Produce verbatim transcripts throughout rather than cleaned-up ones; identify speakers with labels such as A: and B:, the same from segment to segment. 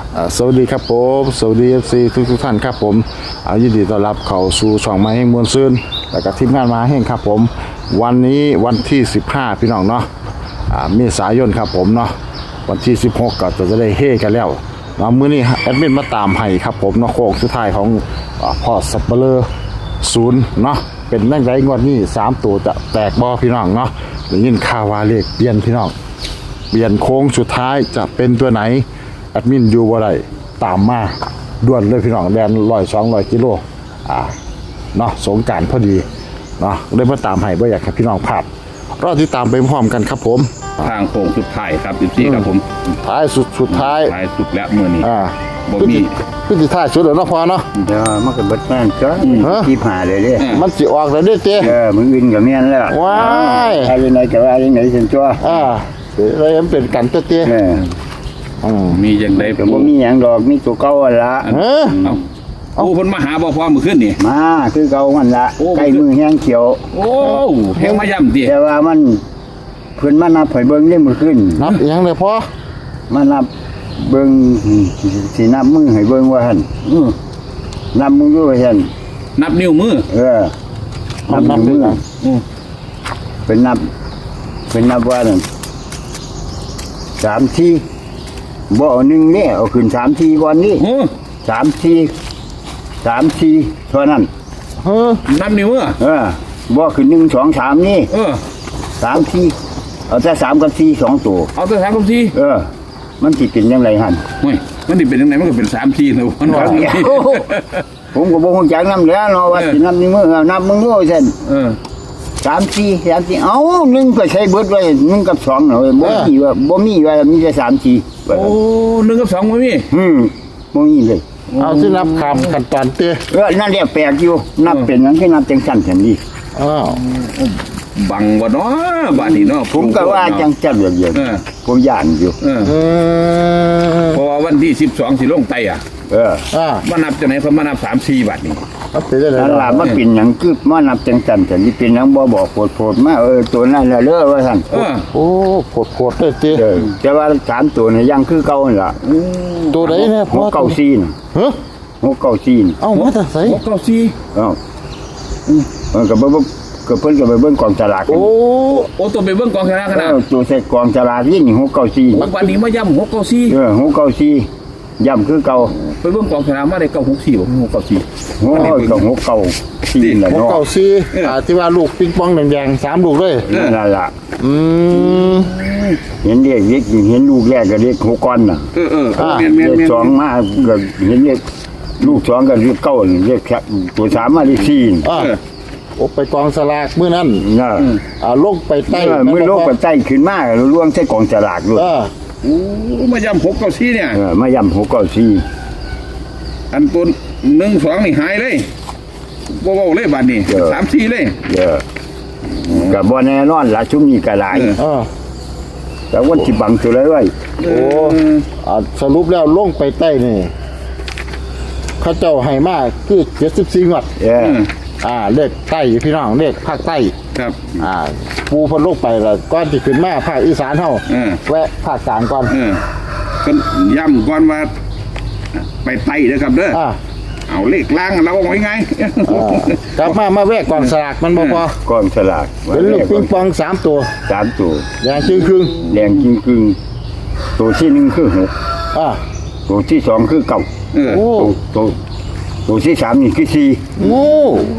A: สวัสดีครับผมสวัสดีเอฟซีทุกทุกท่านครับผมเอายินดีต้อนรับเข้าสู่ช่องมาแห่งมวลซื่นและกับทีมงานมาแห่งครับผมวันนี้วันที่สิบห้าพี่น้องเนาะเมษายนครับผมเนาะวันที่สิบหกก็จะได้เฮกันแล้วเนาะมื้อนี้แอดมินมาตามให้ครับผมเนาะโค้งสุดท้ายของพ่อสับเปลือศูนย์เนาะเป็นแม่งไรงวดนี้สามตัวจะแตกบ่พี่น้องเนาะได้ยินข่าวว่าเลขเปลี่ยนพี่น้องเปลี่ยนโค้งสุดท้ายจะเป็นตัวไหนแอดมินอยู่บ่ได้ตามมาด่วนเลยพี่น้องแดนร้อยสองร้อยกิโลอ่าเนาะสงกรานต์พอดีเนาะเลยมาตามให้บ่อยากให้พี่น้องพลาดรอที่ตามไปพร้อมกันครับผม
B: ทางโค้งสุดท้ายครับสิบสี่ครับผม
A: ท้ายสุดสุดท้าย
B: ท้ายสุดแล้วมื้อนี้
A: อ่า
B: บ่มี
A: คือสิท้ายสุดแล้วเนาะพอเนาะ
C: เดี๋ยวมันก็เบิดแม่นจ้ะที่ผ่าเลยเด้
A: มันสิออกแล้วเด้เจ้
C: เออมึงวินก็แม่นแล้ว
A: ว้าย
C: อะไรไหนก็ว่าจังได๋ซั่นจ้ะ
A: อ่าเลยมันเป็นกันเต้เจ้
C: เออ
A: อืม
B: มีจังได๋
C: ก็บ่มีหยังดอกมีตัวเก่าหั่นล่ะ
A: เออ
B: เอาโอ้เพิ่นมาหาบ่พอมื้อคืนนี่
C: มาคือเก่ามันล่ะใกล้มือแห้งเขียว
B: โอ้แฮงมาย่ำติ
C: แต่ว่ามันเพิ่นมานับให้เบิ่งได้มื้อคืน
A: นับอีหยังเลยพอ
C: มานับเบิ่งสินับมือให้เบิ่งว่าหั่นอือนับมืออยู่ว่าหั่น
B: นับนิ้วมือ
C: เออนับนับมืออือเป็นนับเป็นนับว่านั่นสามทีบ่เอาหนึ่งนี่เอาขึ้นสามทีก่อนนี่สามทีสามทีเท่านั้น
A: เออ
B: นับนิ้วมือ
C: เออบ่ขึ้นหนึ่งสองสามนี่
B: เออ
C: สามทีเอาแต่สามกับสี่สองตัว
B: เอาแต่สามกับสี่
C: เออมันสิเป็นยังไงหั่น
B: โอ้ยมันสิเป็นจังได๋มันก็เป็นสามทีแล้วมันว่า
C: ผมก็บ่ฮู้จักนำแล้วเนาะว่าสินับนิ้วมือเอานับมือมือซั่น
B: เออ
C: สามสี่สามสี่เอ้าหนึ่งก็ใช้เบิดไว้หนึ่งกับสองเนาะบ่มีว่าบ่มีว่ามีแต่สามสี่
B: โอ้หนึ่งกับสองบ่มี
C: อืมบ่มีเลย
A: เอาสินับคำขั้นตอนเต้
C: เออนั่นแหละแปลกอยู่นับเป็นหยังคือนับจังซั่นซั่นนี่
A: อ้าว
B: บังบ่เนาะบัดนี้เนาะ
C: ผมก็ว่าจังจั่นแบบเดียวผมย่านอยู่
B: เออเพราะว่าวันที่สิบสองสิลงไตอ่ะ
C: เออ
A: อ่า
B: มานับจังไหนเพิ่นมานับสาม สี่บัดนี้
A: มันเป็นจังได๋
C: นั่นล่ะมันเป็นหยังคือมานับจังซั่นซั่นนี่เป็นหยังบ่บอกโพดๆมาเออตัวนั้นแล้วเด้อว่าซั่น
B: เออ
A: โอ้โพดๆเด้เต้
C: เออแต่ว่าสามตัวนี่ยังคือเก่านั่นล่ะ
A: ตัวใดแน่
C: พอเก้าสี่น่ะ
A: ฮะ
C: หกเก้าสี่
A: เอ้ามาแต่ไส
B: หกเก้าสี่
C: เอ้าเออก็บ่ก็เพิ่นก็ไปเบิ่งกองสลาก
B: โอ้โอ้ตัวไปเบิ่งกองสลากขนาด
C: ตัวใส่กองสลากนี่หกเก้าสี่
B: วันนี้มาย่ำหกเก้าสี่
C: เออหกเก้าสี่ย่ำคือเก่า
B: ไปเบิ่งกองสลากมาได้เก้าหกสี่บ่หกเก้าสี่
C: โอ้ยก็หกเก้าสี่แหละ
A: เนาะหกเก้าสี่อ่าที่ว่าลูกปิงปองแดงๆสามลูกเลย
C: นั่นล่ะ
A: อืม
C: เห็นเด็กเล็กเห็นลูกแรกก็เด็กหกก้อนน่ะ
B: เออๆ
C: แม่นๆสองมาก็เห็นเด็กลูกสองก็เรียกเก้าเรียกตัวสามมาเรียกสี่
A: อ่าโอ้ไปกองสลากมื้อนั้น
C: น่ะ
A: อ่าลงไปใต้
C: มื้อลงไปใต้ขึ้นมาล่วงใส่กองสลากด้วย
A: เออ
B: โอ้มาย่ำหกเก้าสี่เนี่ย
C: เออมาย่ำหกเก้าสี่
B: อันตัวหนึ่งสองนี่หายเลยบ่เว้าเลยบัดนี้สาม สี่เลย
C: เออก็บ่แน่นอนล่ะชุมนี้ก็หลาย
A: เออ
C: แต่วันที่บังตัวเลยไว้
A: โอ้อ่าสรุปแล้วลงไปใต้นี่เขาเจ้าให้มาคือเจ็ดสิบสี่งวด
C: เออ
A: อ่าเลขใต้พี่น้องเลขภาคใต้
B: ครับ
A: อ่าปูพนลงไปแล้วก่อนที่ขึ้นมาภาคอีสานเฮาแวะภาคกลางก่อน
B: เออก็ย้ำก่อนว่าไปใต้เด้อครับเด้อ
A: อ่า
B: เอาเลขล่างเราเอาไว้ไง
A: กลับมามาแวะกองสลากมันบ่พ
C: อกองสลาก
A: เป็นลูกปิงปองสามตัว
C: สามตัว
A: แดงจึงครึ่ง
C: แดงจึงครึ่งตัวที่หนึ่งคือหก
A: อ่า
C: ตัวที่สองคือเก้า
A: โอ้
C: ตัวตัวที่สามนี่คือสี่
A: โอ้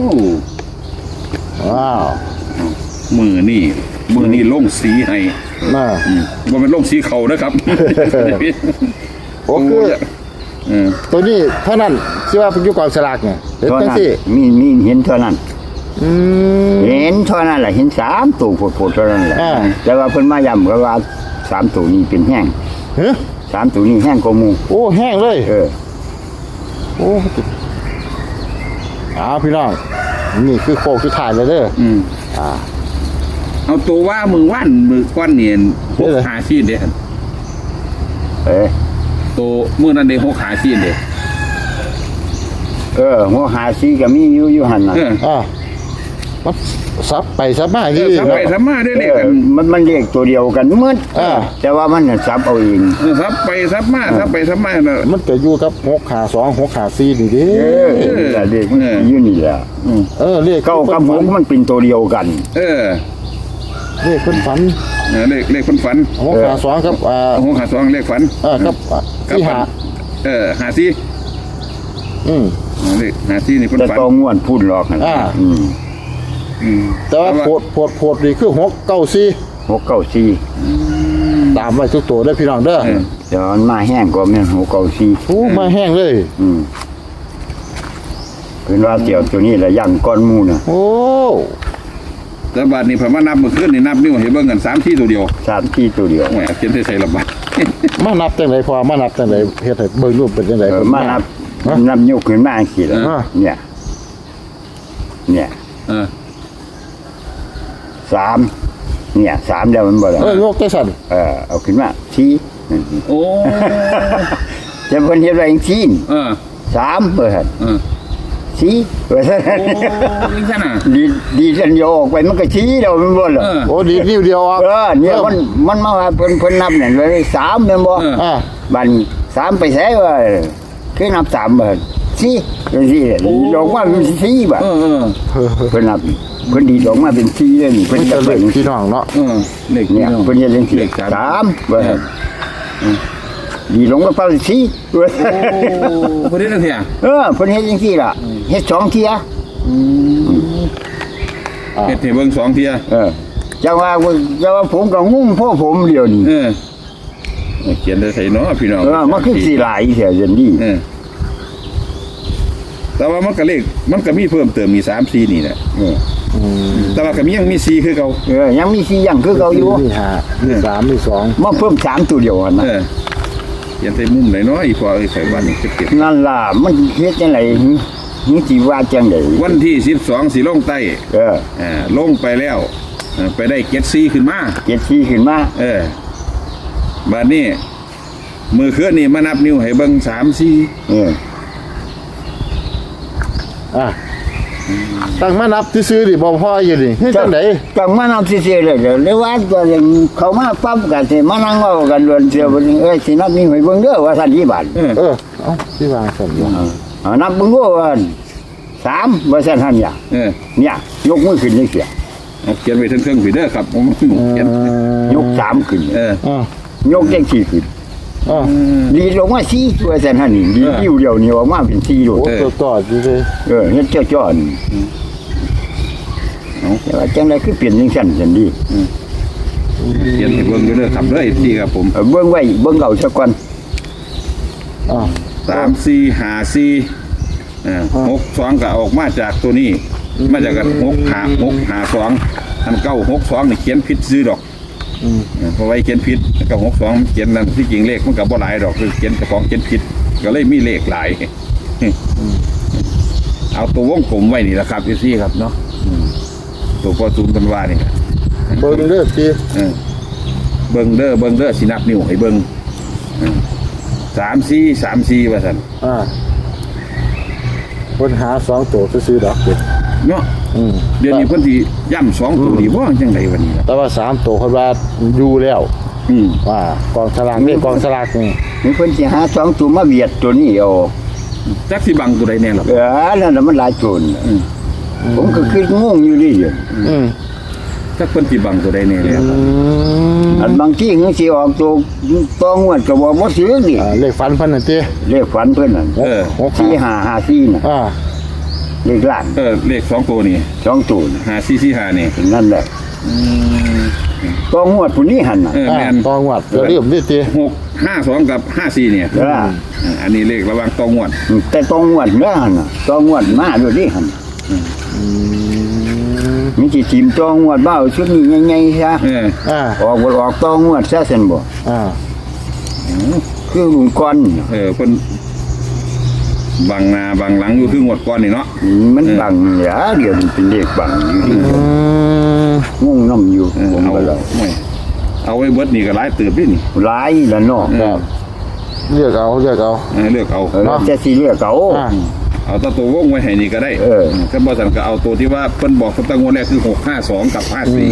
A: ว้าว
B: มือนี่มือนี่ลงสีให้
A: น่า
B: บ่เป็นลงสีเขานะครับ
A: โอ้คือตัวนี้เท่านั้นที่ว่าเป็นยุคกองสลากเนี่ยเห็นจังซี่
C: มีมีเห็นเท่านั้น
A: อืม
C: เห็นเท่านั้นแหละเห็นสามตัวโผล่ๆเท่านั้นแหละแต่ว่าเพิ่นมาย้ำก็ว่าสามตัวนี้เป็นแห้ง
A: ฮะ
C: สามตัวนี้แห้งกว่าหมู่
A: โอ้แห้งเลย
C: เออ
A: โอ้อ้าวพี่น้องนี่คือโคกที่ถ่ายเลยเด้อ
B: อืม
A: อ่า
B: เอาตัวว่ามือว่านมือก้อนเนียนหกหาชีนเด้
C: เอ๊ะ
B: ตัวมือนั้นเด้หกหาชีนเด้
C: เออหัวหาชีก็มีอยู่อยู่หั่นน่ะ
A: อ่ามันซับไปซับมา
B: เอ
A: ดี
B: อทำไปทำมาได้เลขกัน
C: มันมันเรียกตัวเดียวกันหมืด
A: อ่า
C: แต่ว่ามันน่ะซับเอาเอง
B: เออทับไปทับมาทับไปทับมาน่ะ
A: มันก็อยู่กับหกขาสองหกขาสี่นี่เดิ
C: เออแต่เด็กมันอยู่นี่แหละอืม
A: เออเลข
C: เก้ากับหกมันเป็นตัวเดียวกัน
B: เออ
A: เลขคนฝัน
B: เออเลขเลขคนฝัน
A: หกขาสองครับอ่า
B: หกหาสองเลขฝัน
A: เออครับอ่า
B: กับ
A: ที่หา
B: เออหาซี
A: อืม
B: เลขหาซีนี่คน
C: แต่
B: ฝัน
C: ตัวงวนพูดหรอกนะ
A: อ่า
C: อืม
B: อืม
A: แต่ว่าโพดโพดโพดนี่คือหกเก้าสี่
C: หกเก้าสี่
A: ตามไว้ทุกตัวได้อพี่น้องเด้อ
B: เออ
C: แต่ว่ามันมาแห้งกว่าแม่นหกเก้าสี่
A: โอ้มาแห้งเลย
C: อืมเป็นว่าเกี่ยวตัวนี้แหละย่างก้อนหมูน่ะ
A: โอ้
B: แต่บาทนี่ผมว่านับเมื่อคืนนี่นับนิ้วเห็นเบิ่งกันสามที่ตัวเดียว
C: สามที่ตัวเดียว
B: โอ้ยเขียนใส่ระบาด
A: มานับจังไดพอมานับจังไดเฮ็ดให้เบิ่งรูปเป็นจังได
C: เออมานับ
A: ฮะ
C: นับยกขึ้นมาสิละ
A: อ่า
C: เนี่ย เนี่ย
B: เออ
C: สามเนี่ยสามแล้วมันบ่ละ
A: เออยกได้สั่น
C: เออเอาขึ้นมาชี้นั่นสิ
B: โอ้
C: จะเพิ่นเฮ็ดไว้จังซี่
B: เออ
C: สามเปิด
B: เออ
C: ชี้เปิด
B: โอ้ยังไงน่ะ
C: ดีดีจันโยออกไปมันก็ชี้แล้วมันบ่ล่ะ
B: เออ
A: โอ้ดีดนิ้วเดียวอ่ะ
C: เออเนี่ยมันมันมาว่าเพิ่นเพิ่นนับนั่นไว้สามแม่นบ่
B: เออ
A: อ่า
C: บัดนี้สามไปใส่ว่าคือนับสามเบิดสี่จังซี่ดอกว่าเป็นสี่บาท
B: เออเออ
C: เพิ่นนับเพิ่นดีดอกมาเป็นสี่เลยนี่
A: เพิ่
C: เพิ่
A: น
C: น
A: จะ
C: จะ
A: เล่
C: เบิ่
A: น
C: ง
A: พี่น้องเนาะ
B: เออเลข
C: เนี่ยเพิ่นเฮ็ดจังซี่
B: เลขสาม
C: สามเบิดดีลงมาเป้าสี่เบิด
B: โอ้พอดีแล้วเถีย
C: เออเพิ่นเฮ็ดจังซี่ล่ะเฮ็ดสองเที่ย
B: เฮ็ดให้เบิ่งสองเที่ย
C: เออจังว่าจังว่าผมก็งุ้มพ่อผมเดียวนี่
B: เออเขียนได้ใส่เนาะพี่น้อง
C: เออมันคือสิหลายแท้จังนี้
B: เออแต่ว่ามันก็เลขมันก็มีเพิ่มเติมมีสามสี่นี่แหละ
C: เออ
B: แต่ว่าก็มียังมีสี่คือเก่า
C: เออยังมีสี่อย่างคือเก่าอยู่
A: มีห้ามีสามมีสอง
C: มาเพิ่มสามตัวเดียวหั่นน่ะ
B: เออเขียนใส่มุมไหนเนาะอีพอไอ้ไข่บ้านนี่เก็บ
C: นั่นล่ะมันเฮ็ดจังไดนี่สิว่าจังได๋
B: วันที่สิบสองสีลงใต้
C: เออ
B: อ่าลงไปแล้วเออไปได้เก็ดซีขึ้นมา
C: เจ็ดสี่ขึ้นมา
B: เออบัดนี้มือเคลื่อนนี่มานับนิ้วให้เบิ่งสามสี่
C: เออ
A: อ่ะตั้งมานับซื่อๆดิบ่พออยู่ดิเฮ็ดจังได
C: จังมานำซื่อๆเลยเดี๋ยวเลยว่าตัวเองเขามาปั๊บก็สิมานั่งเว้ากันล้วนเสียบ่เอ้ยสินับนี่ให้เบิ่งเด้อว่าซั่นที่บาท
B: เออ
A: เออเอ้าสิวางซั่นอยู่
C: เอานับเบิ่งดูว่าสามว่าซั่นหั่นอย่า
B: เออ
C: เนี่ยยกมือขึ้นจังซี่
B: เอาเขียนไว้ทั้งเครื่องผีเด้อครับผมเขียน
C: ยกสามขึ้น
B: เออ
A: อ่าย
C: กจังสี่ขึ้น
A: อ่า
C: ดีลงมาสี่ว่าซั่นหั่นนี่ดีอยู่เดียวนี่ออกมาเป็นสี่โลด
A: โอ้ตัวต่ออยู่เลย
C: เออเฮ็ดจ้อๆนี่
B: เอา
C: แต่ว่าจังไดคือเปลี่ยนจังซั่นซั่นดี
B: เขียนให้เบิ่งอยู่เด้อครับเด้อที่ครับผม
C: เอาเบิ่งไว้เบิ่งเอาซะก่อน
A: อ่า
B: สามสี่ห้าสี่เออหกสองก็ออกมาจากตัวนี้ มาจากกันหกหาหกหาสองอันเก้าหกสองนี่เขียนผิดซื้อดอก
A: อืม
B: เออเพราะไว้เขียนผิดแล้วก็หกสองเขียนนั่นที่จริงเลขมันก็บ่หลายดอกคือเขียนเจ้าของเขียนผิดก็เลยมีเลขหลาย เอาตัววงกลมไว้นี่แหละครับพี่ซี่ครับเนาะอืมตัวพอซูมกันว่านี่ครับ
A: เบิ่งเด้อสิ
B: เออเบิ่งเด้อเบิ่งเด้อสินับนิ้วให้เบิ่งเออสามสี่สามสี่ว่าซั่น
A: อ่าคนหาสองตัวซื่อๆดอกเด็ด
B: เนาะ
A: อืม
B: เดี๋ยวนี้เพิ่นสิย่ำสองตัวดีบ่จังไดวันนี้ล่ะ
A: แต่ว่าสามตัวเพิ่นว่าอยู่แล้ว
B: อืม
A: ว่ากองสลากนี่กองสลากนี่
C: มีเพิ่นสิหาสองตัวมาเบียดตัวนี้เอา
B: จักสิบังตัวใดแน่ล่ะ
C: เออนั่นน่ะมันหลายโจร
B: อืม
C: ผมก็คืองงอยู่นี่เดียว
A: อืม
B: จักเพิ่นสิบังตัวใดแน่แล้วครับ
A: อืม
C: อันบางที่มันสิออกตัวตัวงวดก็บ่บ่ซื้อนี่
A: อ่าเลขฟันเพิ่นน่ะติ
C: เลขฝันเพิ่นน่ะ
B: เออ
A: หก
C: สี่
A: ห้า
C: ห้าห้าสี่น่ะ
A: อ่า
C: เลขล้าน
B: เออเลขสองตัวนี่
C: สองตัวน่ะ
B: ห้าสี่สี่ห้านี่
C: นั่นแหละตัวงวดผู้นี้หั่นน่ะ
B: เออ
A: อ่า
B: แม่น
A: ตองวัดอย่าลืมดิติ
B: หกห้าสองกับห้าสี่เนี่ย
C: เออ
B: เอออันนี้เลขระหว่างตองวด
C: แต่ตัวงวดเด้อหั่นน่ะตัวงวดมาด้วยดิหั่นมีสิทีมตัวงวดมาเอาชุดนี้ใหญ่ๆซะ
B: เออ
A: อ่า
C: ออกบ่ออกตัวงวดซะซั่นบ่
A: อ่า
C: คือลุงก่อนน่ะ
B: เออเพิ่นบังหน้าบังหลังอยู่คืองวดก่อนนี่เนาะ
C: มันบังเหลือเดี๋ยวมันเป็นเลขบังอยู่ที่
A: อืม
C: งงน้ำอยู่
B: เออ
C: ผม
B: เอา
C: ก็เลย
B: ไม่เอาไว้เบิดนี่ก็หลายเติบดินี่
C: หลายละเนาะ
B: เออ
A: เลือกเอาเลือกเอา
B: เออเลือกเอา
C: เออแล้วจะสิเลือกเอา
A: อ่า
B: เอาตัวตัววงไว้ให้นี่ก็ได้
C: เออ
B: ก็บ่สันก็เอาตัวที่ว่าเพิ่นบอกตั้งงวดแรกคือหกห้าสองกับห้าสี่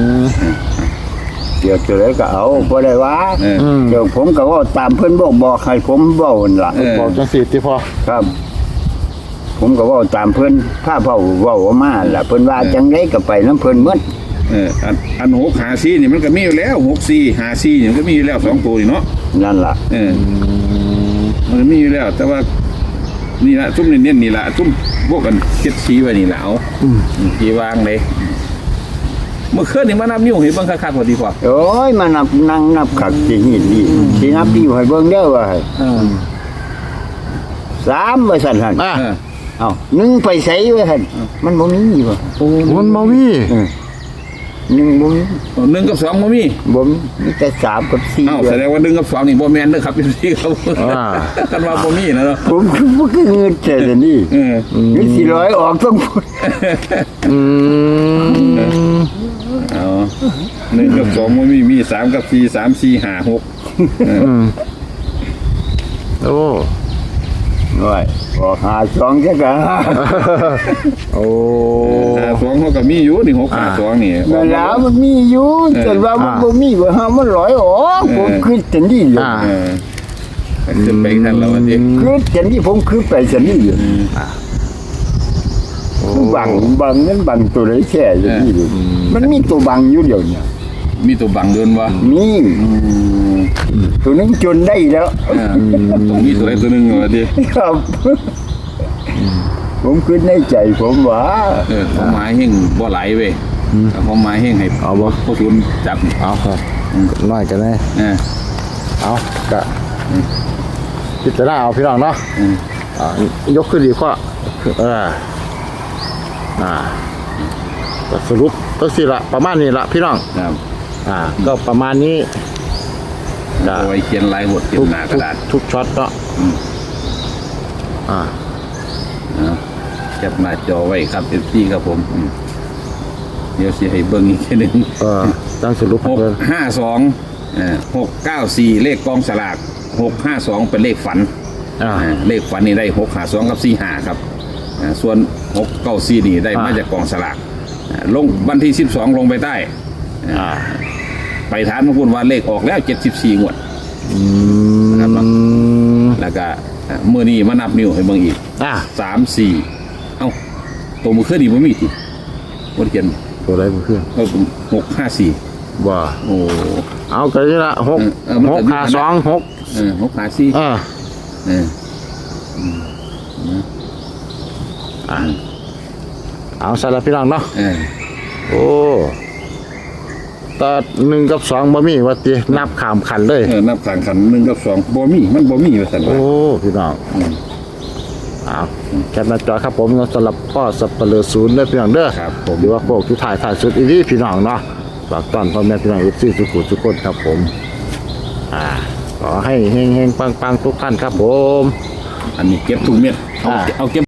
C: เดี๋ยวจะเลยก็เอาบ่ได้ว่า
B: เออ
C: เดี๋ยวผมก็เว่าตามเพิ่นบอกบอกให้ผมเว้านั่นล่ะ
B: เออ
A: บอกจังสิที่พอ
C: ครับ ผมก็เว่าตามเพิ่นถ้าเว้าเว้าออกมาล่ะเพิ่นว่าจังไดก็ไปนํเพิ่นหมด
B: เอออันอันหกหาสี่นี่มันก็มีอยู่แล้วหกสี่หาสี่นี่มันก็มีอยู่แล้วสองตัวนี่เนาะ
C: นั่นล่ะ
B: เออมันก็มีอยู่แล้ว แต่ว่านี่ละซุ่มเน้นๆนี่ละซุ่มพวกกันเก็ดชี้ไว้นี่แหละเอาชี้วางเลยเมื่อคืนนี่มานับนิ้วเห็นบ้างคักๆพอดีพอ
C: โอ้ยมานับนั่งนับขักสิหินดีสินับดีให้เบิ่งเด้อว่าให้
B: เออ
C: สามว่าซั่นหั่น
A: อ่ะ
B: เออ
C: เอ้าหนึ่งไปไสว่าหั่นมันบ่มีบ่
A: มันบ่มี
C: เออหนึ่งบ่มี
B: หนึ่งกับสองบ่มี
C: บ่มีมีแต่สามกับสี่
B: เอ้าแสดงว่าหนึ่งกับสองนี่บ่แม่นเด้อครับพี่ครับกันว่าบ่มีนะเนาะ
C: ผมคือบ่คือเงินแต่ละนี่
B: เออ
C: นี่สิร้อยออกต้องพูด
A: อืม
B: เอาหนึ่งกับสองบ่มีมีสามกับสี่สามสี่ห้าหก
A: อืมโอ้
C: โอ้ยออกหาสองจักะ
A: โอ้
B: หาสองเขาก็มีอยู่นี่หกหาสองนี่
C: เวลามันมีอยู่แต่ว่ามันบ่มีว่าหามันร้อยออกผมคือจังนี้อยู่
A: อ่า
B: เออจะไปทันแล้ววันนี้
C: คือจังนี้ผมคือไปจังนี้อยู่
A: โอ้
C: บังบังนั้นบังตัวไหนแค่อย่างนี้อยู่มันมีตัวบังอยู่เดียวเนี่ย
B: มีตัวบังเดินวะ
C: มีตัวนึงจนได้แล้ว
B: เออมีตัวใดตัวหนึ่งวะดิ
C: ครับ ผมคิดในใจผมว่า
B: เออเขาไม้แห้งบ่ไหลเว้ยเขาไม้แห้งให้
A: เอาบ่
B: เขาทุนจับ
A: เอาครับน้อยกันแน่
B: เออ
A: เอากะพิจารณาเอาพี่น้องเนาะ
B: อืม
A: อ่ายกขึ้นดีกว่าเอออ่าก็สรุปก็สิละประมาณนี้ละพี่น้อง
B: ครับ
A: อ่า ก็ประมาณนี้ก็
B: เอาไว้เขียนลายบทเขียน
A: ทุก
B: หน้าก
A: ทุ
B: ระ
A: ก
B: ดาษ
A: ทุกช็อตเนาะอ่า
B: นะแคปหน้าจอไว้ครับเอฟซีครับผมอืมเดี๋ยวสิให้เบิ่งอีกทีหนึ่ง
A: เออตั้งสรุป
B: หก
A: เพิ่น
B: ห้าสองหกเก้าสี่เลขกองสลากหกห้าสองเป็นเลขฝัน
A: อ่า
B: อ่าเลขฝันนี่ได้หกห้าสองกับสี่ห้าครับอ่าส่วนหกเก้าสี่นี่ได้มา
A: อ่า
B: จากกองสลากอ่าลงวันที่สิบสองลงไปใต้
A: อ่า
B: ไปฐานมาพูดว่าเลขออกแล้วเจ็ดสิบสี่งวด
A: อืม
B: แล้วก็อ่าเมื่อนี้มานับนิ้วให้เบิ่งอีก
A: อ่า
B: สามสี่เอ้าตัวมือเคลื่อนนี่บ่มีติบ่ได้เขียน
A: ตัวใดบ่ขึ้น
B: เอาหกห้าสี่
A: ว่า
B: โอ้
A: เอากันนี่ละหก
B: เออมัน
A: ห
B: ก็
A: ก
B: มี
A: ห้าสองหก
B: เออหกห้าสี่
A: เออ
B: เออ
A: อ่าเอาใส่ละพี่น้องเนาะ
B: เออ
A: โอ้แตอหนึ่งกับสองบ่มีว่าตินับขามขันเลย
B: เออนับขังขันหนึ่งกับสองบ่มีมันบ่มีว่าซั่น
A: โอ้
B: ว่า
A: พี่น้อง
B: อืม
A: เอาแคปหน้าจอครับผมสำหรับพ่อสับเปลือศูนย์เด้อพี่น้องเด้อ
B: ครับผม
A: หรือว่าพวกที่ถ่ายถ่ายสุดอีนี่พี่น้องเนาะฝากต้อนพ่อแม่พี่น้องเอฟซีทุกคนทุกคนครับผม อ่าขอให้เฮงเฮงปังปังทุกท่านครับผม
B: อันนี้เก็บทุกเม็ดเอา
A: อ่า
B: เอาเก็บ